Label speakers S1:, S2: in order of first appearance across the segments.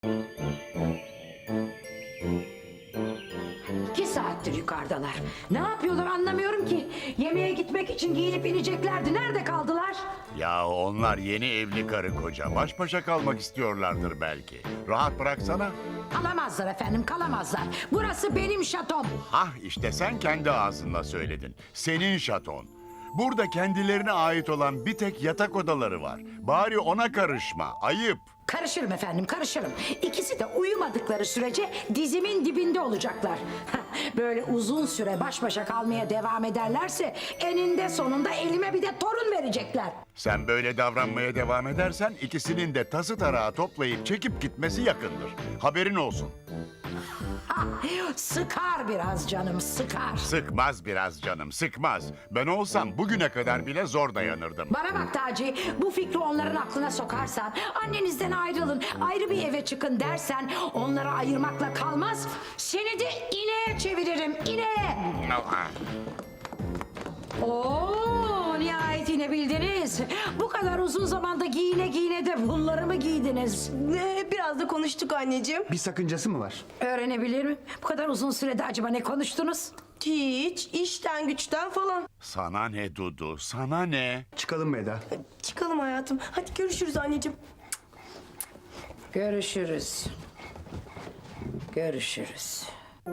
S1: İki saattir yukarıdalar. Ne yapıyorlar anlamıyorum ki. Yemeğe gitmek için giyinip ineceklerdi. Nerede kaldılar?
S2: Ya onlar yeni evli karı koca. Baş başa kalmak istiyorlardır belki. Rahat bıraksana.
S1: Kalamazlar efendim, kalamazlar. Burası benim şatom.
S2: Hah işte sen kendi ağzınla söyledin. Senin şaton. Burada kendilerine ait olan bir tek yatak odaları var. Bari ona karışma. Ayıp.
S1: Karışırım efendim, karışırım. İkisi de uyumadıkları sürece dizimin dibinde olacaklar. Böyle uzun süre baş başa kalmaya devam ederlerse eninde sonunda elime bir de torun verecekler.
S2: Sen böyle davranmaya devam edersen ikisinin de tası tarağı toplayıp çekip gitmesi yakındır. Haberin olsun.
S1: Sıkar biraz canım, sıkar.
S2: Sıkmaz biraz canım, sıkmaz. Ben olsam bugüne kadar bile zor dayanırdım.
S1: Bana bak Taci, bu fikri onların aklına sokarsan, annenizden ayrılın, ayrı bir eve çıkın dersen, onları ayırmakla kalmaz, seni de ineğe çeviririm, ineğe. Oo, nihayet inebildiniz. Bu kadar uzun zamanda giyine giyine de bunları mı giydiniz?
S3: Biraz da konuştuk anneciğim.
S4: Bir sakıncası mı var?
S1: Öğrenebilir miyim? Bu kadar uzun sürede acaba ne konuştunuz?
S3: Hiç, işten güçten falan.
S2: Sana ne Dudu, sana ne?
S4: Çıkalım mı Eda?
S3: Çıkalım hayatım. Hadi görüşürüz anneciğim.
S1: Görüşürüz. Görüşürüz.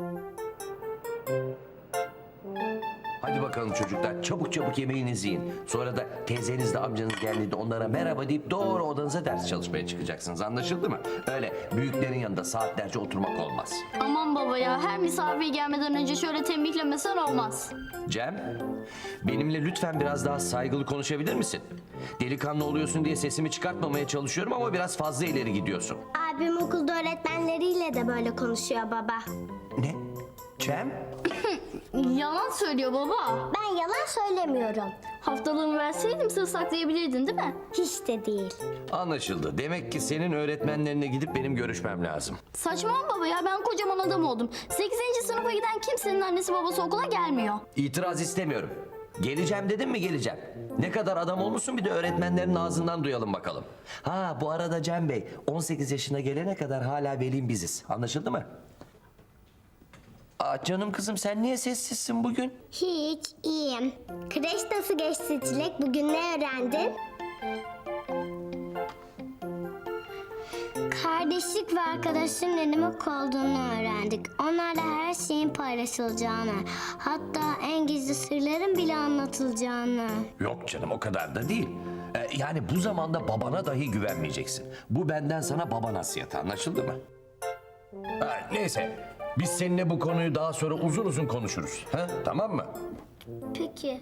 S5: Hadi bakalım çocuklar, çabuk çabuk yemeğinizi yiyin. Sonra da teyzeniz de amcanız geldiğinde onlara merhaba deyip doğru odanıza ders çalışmaya çıkacaksınız. Anlaşıldı mı? Öyle büyüklerin yanında saatlerce oturmak olmaz.
S6: Aman baba ya, her misafir gelmeden önce şöyle tembihlemesen olmaz.
S5: Cem, benimle lütfen biraz daha saygılı konuşabilir misin? Delikanlı oluyorsun diye sesimi çıkartmamaya çalışıyorum ama biraz fazla ileri gidiyorsun.
S7: Abim okulda öğretmenleriyle de böyle konuşuyor baba.
S5: Ne? Cem?
S6: Yalan söylüyor baba.
S7: Ben yalan söylemiyorum.
S6: Haftalığımı verseydim sır saklayabilirdin değil mi?
S7: Hiç de değil.
S5: Anlaşıldı. Demek ki senin öğretmenlerine gidip benim görüşmem lazım.
S6: Saçmalama baba ya, ben kocaman adam oldum. 8. sınıfa giden kimsenin annesi babası okula gelmiyor.
S5: İtiraz istemiyorum. Geleceğim dedim mi geleceğim. Ne kadar adam olmuşsun bir de öğretmenlerin ağzından duyalım bakalım. Ha bu arada Cem Bey 18 yaşına gelene kadar hala velim biziz. Anlaşıldı mı? Aa, canım kızım sen niye sessizsin bugün?
S7: Hiç, iyiyim. Kreş nasıl geçti Çilek? Bugün ne öğrendin? Kardeşlik ve arkadaşlığın ne demek olduğunu öğrendik. Onlarla her şeyin paylaşılacağını, hatta en gizli sırların bile anlatılacağını.
S5: Yok canım o kadar da değil. Yani bu zamanda babana dahi güvenmeyeceksin. Bu benden sana baba nasihatı, anlaşıldı mı? Ha, neyse biz seninle bu konuyu daha sonra uzun uzun konuşuruz. Ha, tamam mı?
S7: Peki.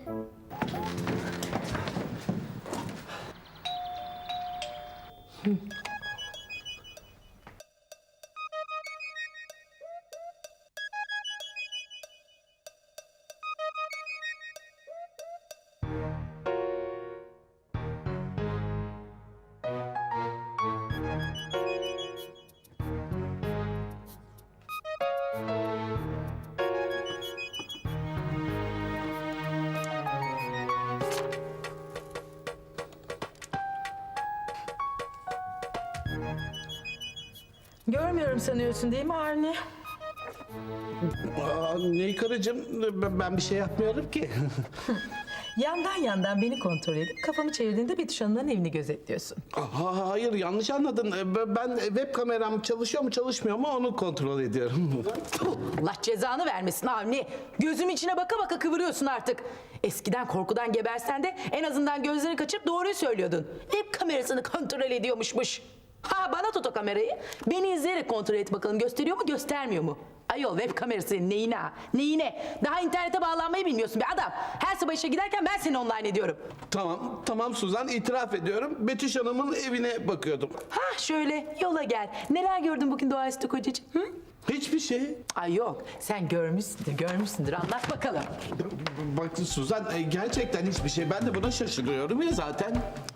S8: Görmüyorum sanıyorsun değil mi Avni?
S9: Ney karıcığım? Ben bir şey yapmıyorum ki.
S8: Yandan yandan beni kontrol edip kafamı çevirdiğinde Betüş Hanım'ın evini gözetliyorsun.
S9: Hayır yanlış anladın. Ben web kameram çalışıyor mu çalışmıyor mu onu kontrol ediyorum.
S8: Allah cezanı vermesin Avni. Gözüm içine baka baka kıvırıyorsun artık. Eskiden korkudan gebersen de en azından gözlerini kaçırıp doğruyu söylüyordun. Web kamerasını kontrol ediyormuşmuş. Ha bana tut o kamerayı. Beni izleyerek kontrol et bakalım gösteriyor mu göstermiyor mu? Ayol web kamerası senin neyine ha? Neyine? Daha internete bağlanmayı bilmiyorsun be adam. Her sabah işe giderken ben seni online ediyorum.
S9: Tamam Suzan itiraf ediyorum. Betüş Hanım'ın evine bakıyordum.
S8: Ha şöyle yola gel. Neler gördün bugün doğaüstü kocacığım? Hı?
S9: Hiçbir şey.
S8: Ay yok sen görmüşsündür anlat bakalım.
S9: Bak Suzan gerçekten hiçbir şey. Ben de buna şaşırıyorum ya zaten.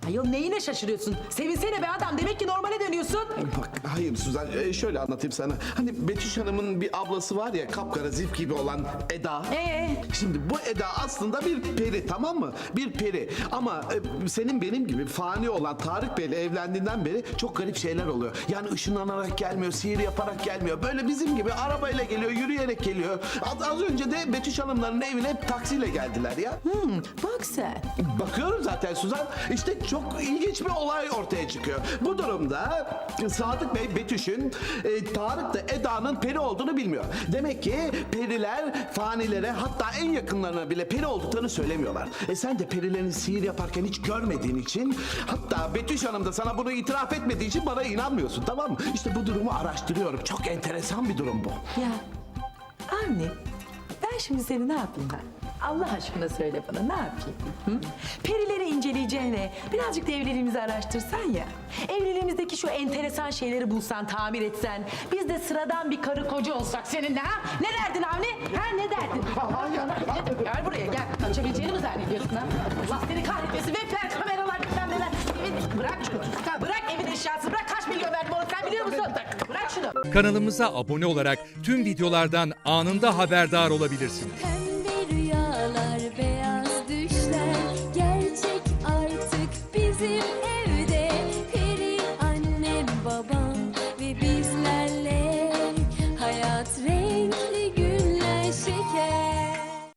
S8: Ayol neyine şaşırıyorsun? Sevinsene be adam, demek ki normale dönüyorsun.
S9: Bak hayır Suzan, şöyle anlatayım sana. Hani Betüş Hanım'ın bir ablası var ya, kapkara zif gibi olan Eda. Şimdi bu Eda aslında bir peri, tamam mı? Bir peri. Ama senin benim gibi fani olan Tarık Bey'le evlendiğinden beri çok garip şeyler oluyor. Yani ışınlanarak gelmiyor, sihir yaparak gelmiyor. Böyle bizim gibi arabayla geliyor, yürüyerek geliyor. Az önce de Betüş Hanımların evine hep taksiyle geldiler ya.
S8: Bak sen.
S9: Bakıyorum zaten Suzan. İşte çok ilginç bir olay ortaya çıkıyor. Bu durumda Sadık Bey Betüş'ün, Tarık da Eda'nın peri olduğunu bilmiyor. Demek ki periler fanilere, hatta en yakınlarına bile peri olduklarını söylemiyorlar. Sen de perilerin sihir yaparken hiç görmediğin için, hatta Betüş Hanım da sana bunu itiraf etmediği için bana inanmıyorsun, tamam mı? İşte bu durumu araştırıyorum. Çok enteresan bir durum bu.
S8: Ya Avni, ben şimdi seni ne yapayım ben? Allah aşkına söyle bana, ne yapayım? Hı? Perileri inceleyeceğine birazcık da evliliğimizi araştırsan ya. Evliliğimizdeki şu enteresan şeyleri bulsan, tamir etsen. Biz de sıradan bir karı koca olsak seninle ha? Ne derdin Avni? Ha ne derdin? Gel buraya gel. Kaçabileceğini mi zannediyorsun ha? Allah seni kahretmesin. Webler, kameralar, bilmem neler. Bırak şunu. Bırak evin eşyası. Bırak, kaç milyon verdim onu, sen biliyor musun? Bırak şunu.
S4: Kanalımıza abone olarak tüm videolardan anında haberdar olabilirsiniz.